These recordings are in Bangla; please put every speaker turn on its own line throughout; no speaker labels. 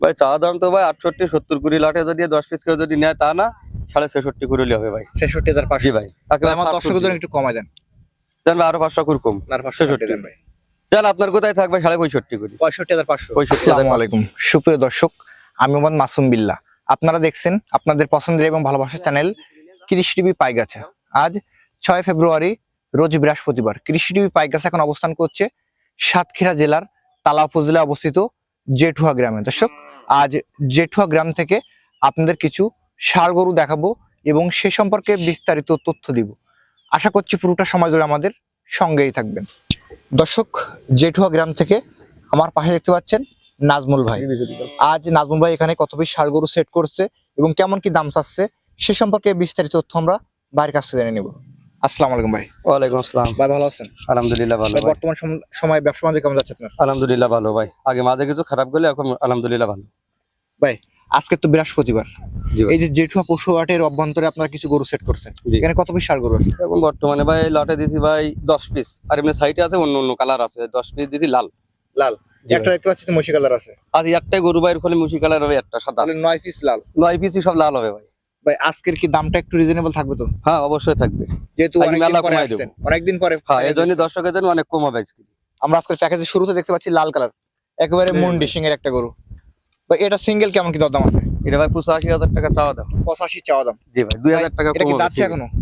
ভাই চা দাম তো ভাই 68-70 করে লাটে যদি 10 পিস কেউ যদি নেয় তা না 66.5 করে হবে ভাই।
66,500।
জি ভাই
আমার দর্শকদের জন্য একটু কমায় দেন।
জান ভাই আরো 500 করে কম।
আর 560 দেন ভাই।
জান আপনার কোথায় থাকবে 65.5 করে
65,500।
65,000।
আসসালামু আলাইকুম সুপ্রিয় দর্শক, আমি মোহাম্মদ মাসুম বিল্লাহ। আপনারা দেখছেন আপনাদের পছন্দের এবং ভালোবাসার চ্যানেল কৃষি টিভি পাইগাছা। আজ 6 ফেব্রুয়ারি রোজ বৃহস্পতিবার। কৃষি টিভি পাইগাছা এখন অবস্থান করছে সাতক্ষীরা জেলার তালা উপজেলায় অবস্থিত জেঠুয়া গ্রামে। দর্শক, আজ জেঠুয়া গ্রাম থেকে আপনাদের কিছু ষাঁড় গরু দেখাবো এবং সে সম্পর্কে বিস্তারিত তথ্য দিব। আশা করছি পুরোটা সময় জুড়ে আমাদের সঙ্গেই থাকবেন। দর্শক, জেঠুয়া গ্রাম থেকে আমার পাশে দেখতে পাচ্ছেন নাজমুল ভাই। আজ নাজমুল ভাই এখানে কত পিস ষাঁড় গরু সেট করছে এবং কেমন কি দাম চাচ্ছে সে সম্পর্কে বিস্তারিত তথ্য আমরা ভাইয়ের কাছ থেকে জেনে নেব। আসসালামু আলাইকুম ভাই।
ওয়ালাইকুম আসসালাম
ভাই ভালো আছেন?
আলহামদুলিল্লাহ ভালো
ভাই
ভাই।
বর্তমান সময়ে ব্যবসা বাণিজ্য কেমন যাচ্ছে আপনার?
আলহামদুলিল্লাহ ভালো ভাই। আগে মাঝে কিছু খারাপ গেলে এখন আলহামদুলিল্লাহ ভালো।
ভাই আজকে তো বৃহস্পতিবার,
জি ভাই।
এই যে জেঠুয়া পশু হাটের অভ্যন্তরে আপনারা কিছু গরু সেট করছেন,
জি।
এখানে কত পিস ষাঁড় গরু আছে?
এখন বর্তমানে ভাই লটে দিছি ভাই 10 পিস, আর এমনি সাইটে আছে অন্য অন্য কালার আছে। 10 পিস দিছি লাল।
লাল
জি
একটা
ভাই।
দেখতে পাচ্ছি তো মশি কালার আছে।
আর একটাই গরু ভাইয়ের ফলে মুশি কালার হবে, একটা সাদা।
তাহলে 9 পিস লাল।
9 পিসই সব লাল হবে ভাই।
ভাই আজকের কি দামটা একটু রিজনেবল থাকবে তো?
হ্যাঁ অবশ্যই থাকবে।
যেহেতু
আজকে
অনেকদিন
মেলা
পরে
কমাই
আসছেন,
দেবো।
অনেকদিন পরে
হ্যাঁ এই জন্য দর্শকের জন্য অনেক কম হবে আজকে।
আমরা আজকের প্যাকেজের শুরুতে দেখতে পাচ্ছি লাল কালার, একেবারে
হুম।
মুন্ডি সিং এর একটা গরু। ভাই এটা সিঙ্গেল কেমন কি দরদাম আছে?
এটা ভাই 85,000 টাকা চাওয়া দাম।
85 চাওয়া দাম।
জি ভাই 2,000 টাকা
এটা
কম
কি
হবে।
দাঁতছে এখনো?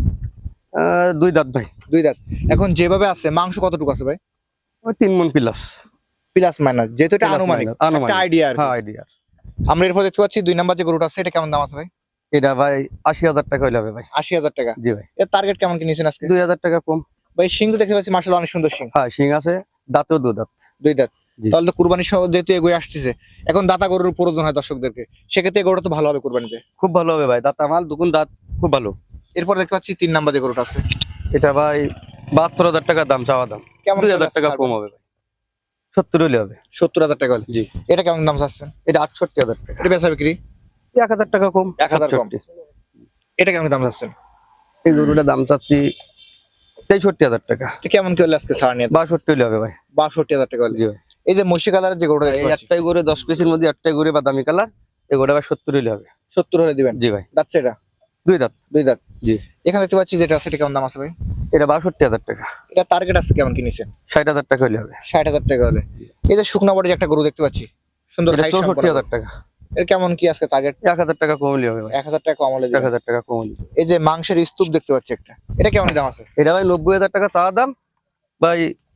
2 দাঁত ভাই।
2 দাঁত। এখন যেভাবে আছে মাংস কতটুকু আছে ভাই?
ওই 3 মণ প্লাস।
প্লাস মাইনাস, যেহেতু এটা আনুমানিক একটা আইডিয়া আর কি।
হ্যাঁ আইডিয়া।
আমরা এরপর দেখতে পাচ্ছি 2 নাম্বার যে গরুটা আছে এটা কেমন দাম আছে ভাই?
এটা ভাই 80,000 টাকা হইলে হবে ভাই।
80,000 টাকা।
জি ভাই।
এর টার্গেট কেমন কি নিছেন আজকে?
2,000 টাকা কম।
ভাই সিং তো দেখতে পাচ্ছি মাশাআল্লাহ অনেক সুন্দর সিং।
হ্যাঁ শিং আছে, দাঁতেও 2 দাঁত।
2 দাঁত।
জি।
তাহলে তো কুরবানির সময় যেহেতু এগোয় আসতেছে, এখন দাতা গরুর প্রয়োজন হয় দর্শকদেরকে, সেক্ষেত্রে এই গরুটা তো ভালো হবে কুরবানিতে।
খুব ভালো হবে ভাই, দাঁত আমার দুগুণ দাঁত, খুব ভালো।
এরপর দেখতে পাচ্ছি 3 নাম্বার যে গরুটা আছে
এটা ভাই 72,000 টাকা দাম চাওয়া দাম।
কেমন
2,000 টাকা কম হবে ভাই। 70 হলে হবে।
70,000 টাকা হলে।
জি।
এটা কেমন দাম চাচ্ছেন?
এটা 68,000 টাকা।
এটা বেচা বিক্রি
1,000 টাকা কম।
1,000 কম।
68
এটা কেমন দাম চাচ্ছেন?
এই গরুটার দাম চাচ্ছি 63,000 টাকা।
এটা কেমন কি হলে আজকে ছাড় নিয়ে?
62 হলে হবে ভাই।
62,000 টাকা হলে।
জি ভাই।
এই যে মসি কালারের যে গরুটা
এই
দেখতে পাচ্ছি
একটাই গরু 10 পিসের মধ্যে একটাই গরু বাদামি কালার, এই গরুটা ভাই 70 হলে হবে।
70 হলে দিবেন?
জি ভাই।
যাচ্ছে এটা
2 দাঁত।
2 দাঁত।
জি।
এখানে দেখতে পাচ্ছি যেটা আছে এটা কেমন দাম আছে ভাই?
এটা 62,000 টাকা।
এটা টার্গেট আছে কেমন কি নিছেন?
60,000 টাকা হলে হবে।
60,000 টাকা হলে। এই যে শুকনা বডির একটা গরু দেখতে পাচ্ছি সুন্দর
এটা
হাইট
64,000 টাকা।
এর কেমন কি আজকে টার্গেট?
1,000 টাকা কম হলে হবে ভাই।
1,000 টাকা কম হলে দিবেন।
1,000 টাকা কম হলে।
এই যে মাংসের স্তূপ দেখতে পাচ্ছি একটা, এটা কেমন দাম আছে?
এটা ভাই 90,000 টাকা চাওয়া দাম ভাই,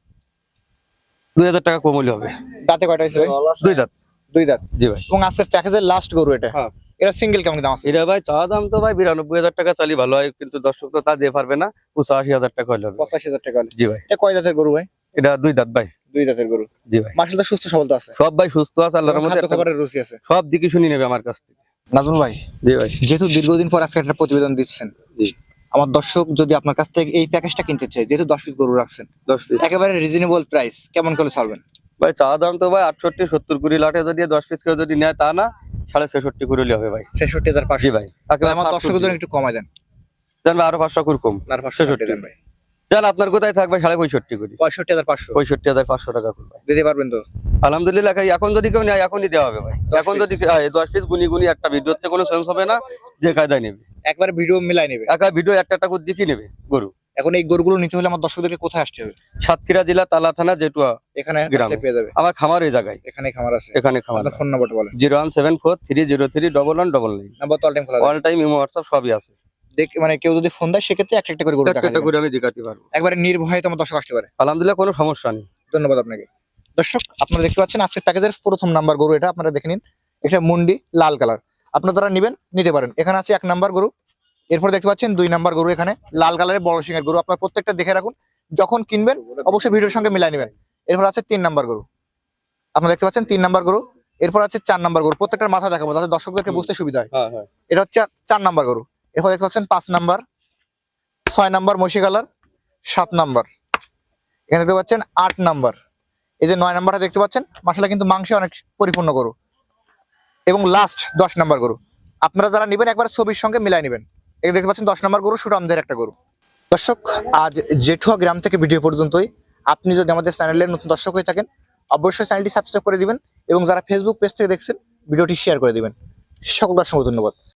2,000 টাকা কম হলে হবে।
দাঁতে কয়টা হয়েছে ভাই?
2 দাঁত।
2 দাঁত।
জি ভাই।
এবং আজকের প্যাকেজের লাস্ট গরু এটা।
হ্যাঁ।
এটা সিঙ্গেল কেমন দাম আছে?
এটা ভাই চাওয়া দাম তো ভাই 92,000 টাকা চালি ভালো হয়, কিন্তু দর্শক তো তা দিয়ে পারবে না। 85,000 টাকা হলে হবে।
85,000 টাকা হলে।
জি ভাই।
এটা কয় দাঁতের গরু ভাই?
এটা 2 দাঁত ভাই।
2 দাঁতের গরু।
জি ভাই।
মাশাআল্লাহ সুস্থ সবল তো আছে।
সব ভাই সুস্থ আছে আল্লাহর রহমতে।
খাদ্য খাবারের রুচি আছে।
সব দিকে শুনি নেবে আমার কাছ থেকে।
নাজমুল ভাই,
জি ভাই।
যেহেতু দীর্ঘদিন পর আজকে একটা প্রতিবেদন দিচ্ছেন,
জি।
আমার দর্শক যদি আপনার কাছ থেকে এই প্যাকেজটা কিনতে চায়, যেহেতু 10 পিস গরু রাখছেন,
10 পিস।
একেবারে রিজনেবল প্রাইস, কেমন করে ছাড়বেন?
ভাই চাওয়া দাম তো ভাই 68-70 করে লাটে যদি 10 পিস কেউ যদি নেয় তা না 66.5 করে হলে হবে ভাই।
66,500।
জি ভাই।
আমার দর্শকদের জন্য একটু কমায় দেন।
জান ভাই আরো 500 করে কম।
আর 560 দেন ভাই।
জান আপনার কোথায় থাকবে 65.5 করে
65,500
65,500 টাকা করবে।
দিতে পারবেন তো?
আলহামদুলিল্লাহ ভাই, এখন যদি কেউ নেয় এখনই দেওয়া হবে ভাই।
10
এখন
piece।
যদি 10 পিস গুনি গুনি একটা ভিডিওতে কোনো সেন্স হবে না, যে কায়দায় নেবে
একবারে ভিডিও মিলাই নেবে।
একা ভিডিও একটা করে দেখি নেবে গরু।
এখন এই গরুগুলো নিতে হলে আমার দর্শকদেরকে কোথায় আসতে হবে?
সাতক্ষীরা জেলা তালা থানা জেটুয়া
এখানে
গ্রামে।
আসলে পেয়ে যাবে।
আমার খামার এই জায়গায়,
এখানে খামার আছে।
এখানে খামার।
আপনার ফোন নাম্বারটা বলেন।
01743031199
নাম্বার তো অল টাইম খোলা
অল টাইম ইমো হোয়াটসঅ্যাপ সবই আছে।
দেখ, মানে কেউ যদি ফোন দেয় সেক্ষেত্রে একটা একটা করে গরু দেখা
একটা
যাবে।
করে আমি দেখাতে পারবো।
একবারে নির্ভয়ে তোমার দর্শক আসতে পারে।
আলহামদুলিল্লাহ কোনো সমস্যা নেই।
ধন্যবাদ আপনাকে। দর্শক আপনারা দেখতে পাচ্ছেন আজকের প্যাকেজের প্রথম নাম্বার গরু এটা, আপনারা দেখে নিন। এটা মুন্ডি লাল কালার, আপনারা যারা নেবেন নিতে পারেন। এখানে আছে 1 নাম্বার গরু, এরপর দেখতে পাচ্ছেন 2 নাম্বার গরু, এখানে লাল কালারের বড় সিংহের গরু। আপনারা প্রত্যেকটা দেখে রাখুন, যখন কিনবেন অবশ্যই ভিডিওর সঙ্গে মিলাই নেবেন। এরপর আছে 3 নাম্বার গরু, আপনারা দেখতে পাচ্ছেন 3 নাম্বার গরু। এরপর আছে 4 নাম্বার গরু, প্রত্যেকটার মাথা দেখাবো যাতে দর্শকদেরকে বুঝতে সুবিধা হয়।
হ্যাঁ হ্যাঁ।
এটা হচ্ছে 4 নাম্বার গরু। এরপর দেখতে পাচ্ছেন 5 নাম্বার, 6 নাম্বার মশি কালার, 7 নাম্বার, এখানে দেখতে পাচ্ছেন 8 নাম্বার। এই যে 9 নাম্বারটা দেখতে পাচ্ছেন, মাশাআল্লাহ কিন্তু মাংসে অনেক পরিপূর্ণ গরু। এবং লাস্ট 10 নাম্বার গরু, আপনারা যারা নেবেন একবার ছবির সঙ্গে মিলাই নেবেন। এখানে দেখতে পাচ্ছেন 10 নাম্বার গরু, সুরামদের একটা গরু। দর্শক আজ জেঠুয়া গ্রাম থেকে ভিডিও পর্যন্তই। আপনি যদি আমাদের চ্যানেলের নতুন দর্শক হয়ে থাকেন অবশ্যই চ্যানেলটি সাবস্ক্রাইব করে দিবেন, এবং যারা ফেসবুক পেজ থেকে দেখছেন ভিডিওটি শেয়ার করে দিবেন। সকলকে অসংখ্য ধন্যবাদ।